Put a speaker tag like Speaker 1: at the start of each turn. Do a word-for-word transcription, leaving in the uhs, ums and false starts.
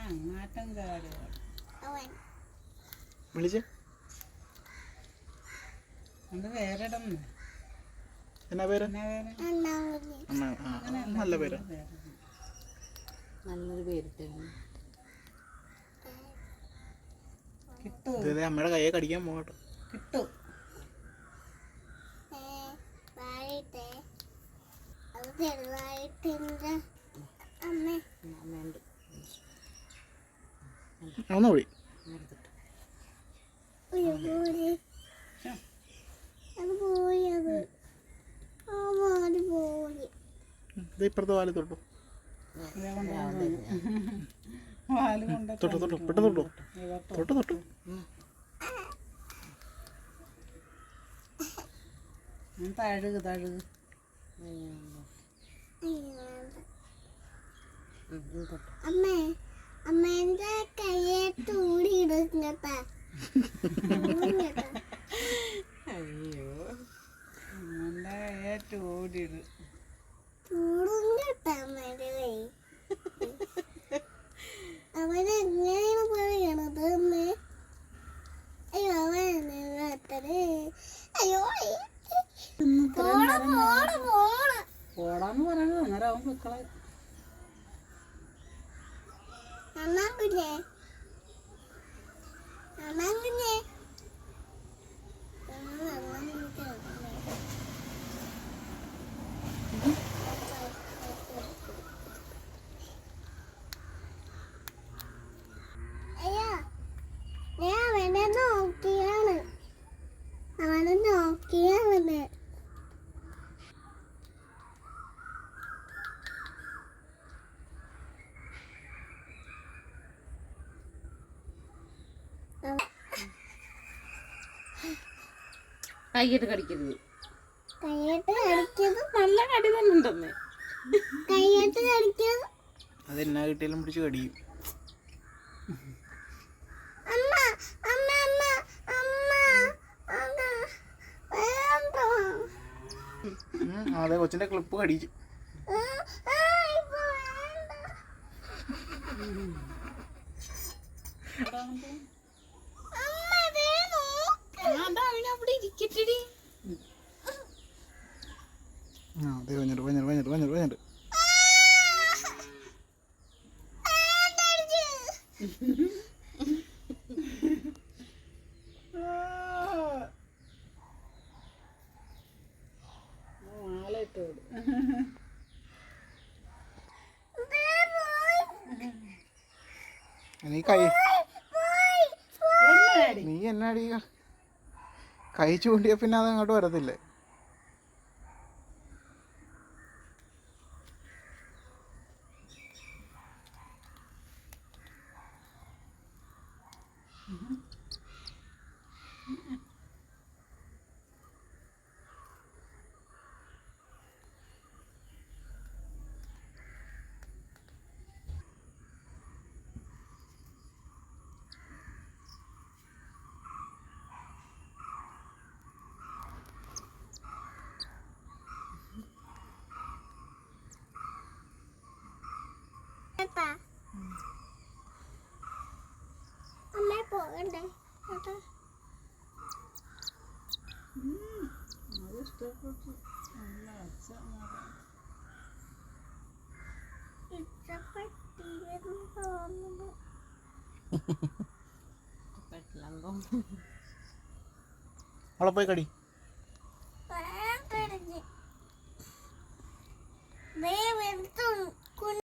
Speaker 1: വിളിച്ചേ എന്നാ പേര്? നല്ല പേര്,
Speaker 2: നല്ലൊരു പേരിട്ടേ
Speaker 1: ഇത് അമ്മയുടെ കയ്യെ കടിക്കാൻ പോകട്ടോ.
Speaker 3: കിട്ടും
Speaker 2: അമ്മയുണ്ട്
Speaker 1: ഒന്ന് കൂടി ഇത് ഇപ്പുറത്തെ വാല് തൊട്ടു തൊട്ടു തൊട്ടു പെട്ടെന്ന് തൊട്ടു തൊട്ടു തൊട്ടു
Speaker 3: തഴുകു തഴുകു
Speaker 4: അമ്മേ അമ്മേന്റെ കയ്യേറ്റ് ഊടിയിടും കേട്ടാ.
Speaker 2: അയ്യോ
Speaker 3: എൻ്റെ ഏറ്റവും ഓടിയിട്
Speaker 4: ചൂടും കേട്ടാ അമ്മേന്റെ കൈ. അവനെങ്ങനെയാണ് പറയണത് അമ്മേ? അയ്യോ അവൻ അത്രേ അയ്യോ പോണ പോണ പോണ
Speaker 3: പോടാന്ന് പറയുന്നത് അന്നേരം അവൻ മക്കളെ
Speaker 4: അണ്ണാൻ കുഞ്ഞേ അണ്ണാൻ കുഞ്ഞേ അയ്യോ ഞാൻ അവനെ നോക്കിയാണ് അവനെ നോക്കിയാണ്
Speaker 2: കൈയിട്ട് കടിക്കരുത്.
Speaker 4: കയ്യേറ്റ് കടിക്കത്
Speaker 2: നല്ല കടി തന്നെ ഉണ്ടെന്നേ.
Speaker 4: കയ്യേറ്റ് കടിക്കത്
Speaker 1: അതെന്നാ കിട്ടിയാലും പിടിച്ച് കടിയും.
Speaker 4: അമ്മ അമ്മ അമ്മ അമ്മ അമ്മ വേണ്ട.
Speaker 1: അതെ കൊച്ചിന്റെ ക്ലിപ്പ് കടിച്ചു.
Speaker 4: ആ, ആ, ഇപ്പൊ വേണ്ട. അമ്മ ദേ നോക്ക്.
Speaker 2: അവിടെ ഇരിക്കട്ടെടി.
Speaker 1: ആ അതെ വഞ്ഞിട്ട് വഞ്ഞിട്ട് വഞ്ഞിട്ട് വഞ്ഞിട്ട് വഞ്ഞിട്ട്
Speaker 3: മാലയിട്ട് വിടും
Speaker 1: നീ കൈ നീ എന്നാടി കൈ ചൂണ്ടിയ പിന്നെ അത് അങ്ങോട്ട് വരത്തില്ലേ?
Speaker 4: അമ്മ പോകണ്ടേ കേട്ടോ?
Speaker 3: അത് ഇഷ്ടപ്പെട്ടു. നല്ല അച്ഛ
Speaker 4: ഇഷ്ടപ്പെട്ടില്ലെന്ന് തോന്നുന്നു.
Speaker 2: പെട്ടിലങ്കോ
Speaker 1: അവളെ പോയി കടി.
Speaker 4: വേണ്ട ദേ വെറുത്തുണ്ട്.